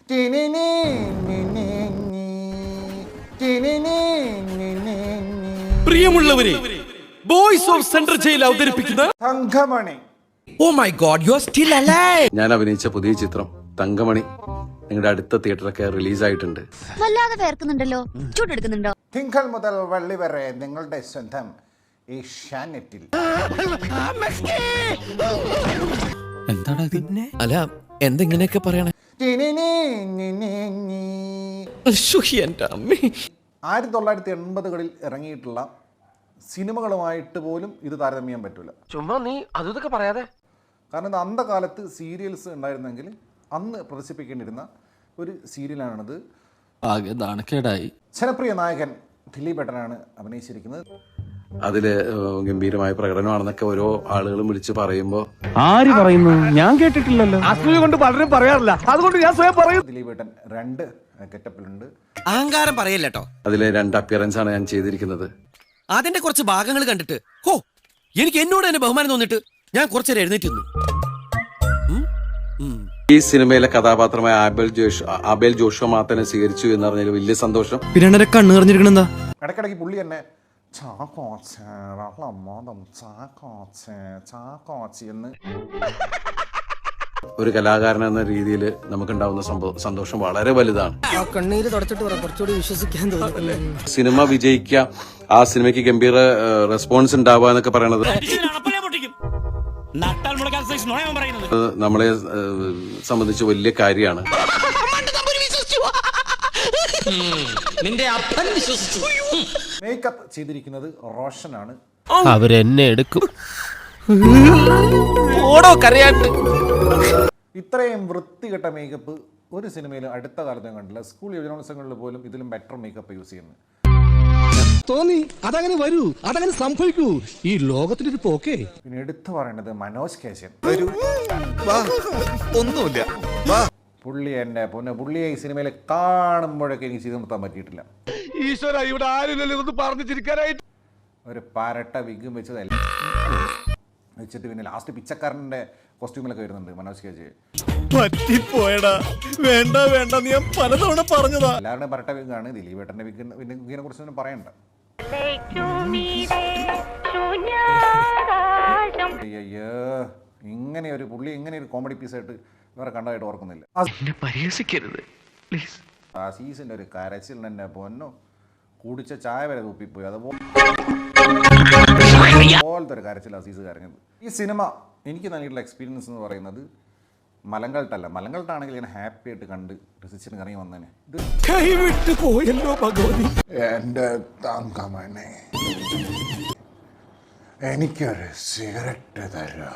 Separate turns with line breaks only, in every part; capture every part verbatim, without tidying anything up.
പ്രിയമുള്ളവരെ, boys of central jail അവതരിപ്പിക്കുന്ന
Thankamani.
Oh my God, you are still alive.
ഞാൻ അഭിനയിച്ച പുതിയ ചിത്രം തങ്കമണി നിങ്ങളുടെ അടുത്ത തിയേറ്ററൊക്കെ റിലീസ് ആയിട്ടുണ്ട്.
വല്ലാതെ വേർക്കുന്നുണ്ടല്ലോ, ചൂടെടുക്കുന്നുണ്ടോ?
തിങ്കൾ മുതൽ വെള്ളി വരെ നിങ്ങളുടെ സ്വന്തം ഏഷ്യാനെറ്റിൽ.
എന്താണ് പിന്നെ? അല്ല, എന്തെങ്ങനെയൊക്കെ പറയണേ?
ആയിരത്തി തൊള്ളായിരത്തി എൺപതുകളിൽ ഇറങ്ങിയിട്ടുള്ള സിനിമകളുമായിട്ട് പോലും ഇത് താരതമ്യം പറ്റൂല.
ചുമ്മാ നീ അതൊക്കെ പറയാതെ.
കാരണം ഇത് അന്ത കാലത്ത് സീരിയൽസ് ഉണ്ടായിരുന്നെങ്കിൽ അന്ന് പ്രദർശിപ്പിക്കേണ്ടിരുന്ന ഒരു സീരിയലാണിത്.
ആകെ നാണക്കേടായി.
ജനപ്രിയ നായകൻ ദിലീപേട്ടനാണ് അഭിനയിച്ചിരിക്കുന്നത്.
അതില് ഗംഭീരമായ പ്രകടനമാണെന്നൊക്കെ ഓരോ ആളുകളും വിളിച്ച് പറയുമ്പോ
ആര് പറയുന്നു? ഞാൻ കേട്ടിട്ടില്ലല്ലോ. അസൂയ കൊണ്ട് പലരും പറയാറില്ല, അതുകൊണ്ട് ഞാൻ സ്വയം പറയും.
ദിലീപേട്ടൻ രണ്ട് ഗെറ്റപ്പിലുണ്ട്.
അഹങ്കാരം പറയല്ലോ.
അതിലെ രണ്ട് അപ്പിയറൻസ് ആണ് ഞാൻ ചെയ്തിരിക്കുന്നത്.
അതിന്റെ കുറച്ച് ഭാഗങ്ങൾ കണ്ടിട്ട് ഹോ, എനിക്ക് എന്നോട് തന്നെ ബഹുമാനം തോന്നിട്ട് ഞാൻ കുറച്ചേരം എഴുന്നേറ്റ് നിന്നു.
ഈ സിനിമയിലെ കഥാപാത്രമായ ആബേൽ ജോഷ് ആബേൽ ജോഷുവ മാത്തനെ സ്വീകരിച്ചു എന്ന് പറഞ്ഞാൽ വലിയ സന്തോഷം.
പിന്നെ കണ്ണു നിറഞ്ഞിരിക്കണെന്താ?
ഇടയ്ക്കിടയ്ക്ക് പുള്ളി തന്നെ ചാക്കോച്ചേ വെള്ളമ്മോദം ചാക്കോച്ചേ ചാക്കോച്ചി എന്ന്.
ഒരു കലാകാരൻ എന്ന രീതിയിൽ നമുക്കുണ്ടാവുന്ന സന്തോഷം വളരെ വലുതാണ്.
കണ്ണീര് തുടച്ചിട്ട് കുറച്ചുകൂടി വിശ്വസിക്കാൻ തോന്നുന്നു.
സിനിമ വിജയിക്കുക, ആ സിനിമയ്ക്ക് ഗംഭീര റെസ്പോൺസ് ഉണ്ടാവുക എന്നൊക്കെ പറയണത് നമ്മളെ സംബന്ധിച്ച് വലിയ കാര്യമാണ്.
മേക്കപ്പ് ചെയ്തിരിക്കുന്നത് റോഷനാണ്.
അവരെന്നെ എടുക്കും.
ഇത്രയും വൃത്തികെട്ട മേക്കപ്പ് ഒരു സിനിമയിലും അടുത്ത കാലത്തും കണ്ടില്ല. സ്കൂൾ യുവജനോത്സവങ്ങളിൽ പോലും ഇതിലും ബെറ്റർ മേക്കപ്പ് യൂസ് ചെയ്യുന്നത്
തോന്നി. അതങ്ങനെ വരൂ, അതങ്ങനെ സംഭവിക്കൂ. ഈ ലോകത്തിന്റെ ഒരു പോക്കേ.
പിന്നെ എടുത്തു പറയേണ്ടത് മനോജ് കേശൻ.
ഒന്നുമില്ല.
പുള്ളി എന്റെ പൊന്നെ, പുള്ളിയെ ഈ സിനിമയിൽ കാണുമ്പോഴൊക്കെ എനിക്ക് ചെയ്ത് നിർത്താൻ പറ്റിയിട്ടില്ല.
ഈശ്വര, ഇവിടെ ആരും പറഞ്ഞു ചിരിക്കാനായിട്ട്.
ഒരു പാരട്ട വിഗും വെച്ചതല്ല വെച്ചിട്ട് പിന്നെ ലാസ്റ്റ് പിച്ചക്കാരന്റെ കോസ്റ്റ്യൂമിലൊക്കെ വരുന്നുണ്ട് മനോജ് കേജ്.
പറ്റിപ്പോയടാ, വേണ്ട വേണ്ട, നീ പലതവണ പറഞ്ഞതാ.
എല്ലാവരുടെയും പരട്ട വിഗാണ്. ദിലീപേട്ടന്റെ വിഗ് വിഗിനെ കുറിച്ചൊന്നും പറയണ്ട. അയ്യോ, ഇങ്ങനെ ഒരു പുള്ളി ഇങ്ങനെ ഒരു കോമഡി പീസായിട്ട് വേറെ കണ്ടതായിട്ട് ഓർക്കുന്നില്ല. ആ സീസന്റെ ഒരു കരച്ചിൽ തന്നെ പൊന്നോ, കുടിച്ച ചായ വരെ തൂപ്പിപ്പോയി. അതുപോലത്തെ ഒരു കരച്ചിൽ അസീസ് കരഞ്ഞത്. ഈ സിനിമ എനിക്ക് നൽകിയിട്ടുള്ള എക്സ്പീരിയൻസ് എന്ന് പറയുന്നത് മലങ്കൾട്ടല്ല. മലങ്കൾട്ടാണെങ്കിൽ ഞാൻ ഹാപ്പി ആയിട്ട് കണ്ട് രസിച്ചിട്ട് ഇറങ്ങി വന്നേനെ. ഇത്
കൈവിട്ട് പോയല്ലോ ഭഗവതി.
എന്റെ തങ്കമണി, എനിക്കൊരു സിഗരറ്റ് തരാ.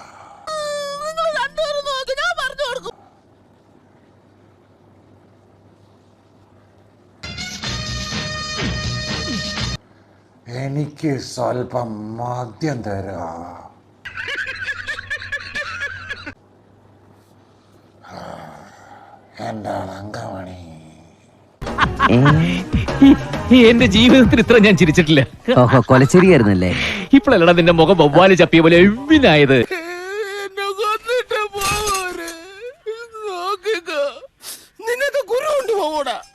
എനിക്ക് സ്വല്പം മദ്യം തരാ. എന്റെ തങ്കമണി.
എന്റെ ജീവിതത്തിൽ ഇത്ര ഞാൻ ചിരിച്ചിട്ടില്ല.
ഓഹോ, കൊലച്ചെറിയായിരുന്നല്ലേ?
ഇപ്പോഴല്ലടാ നിന്റെ മുഖം വവ്വാല് ചപ്പിയ പോലെ എവിനായത്.
നിനക്ക് ഗുരു ഉണ്ട് പോകൂടാ.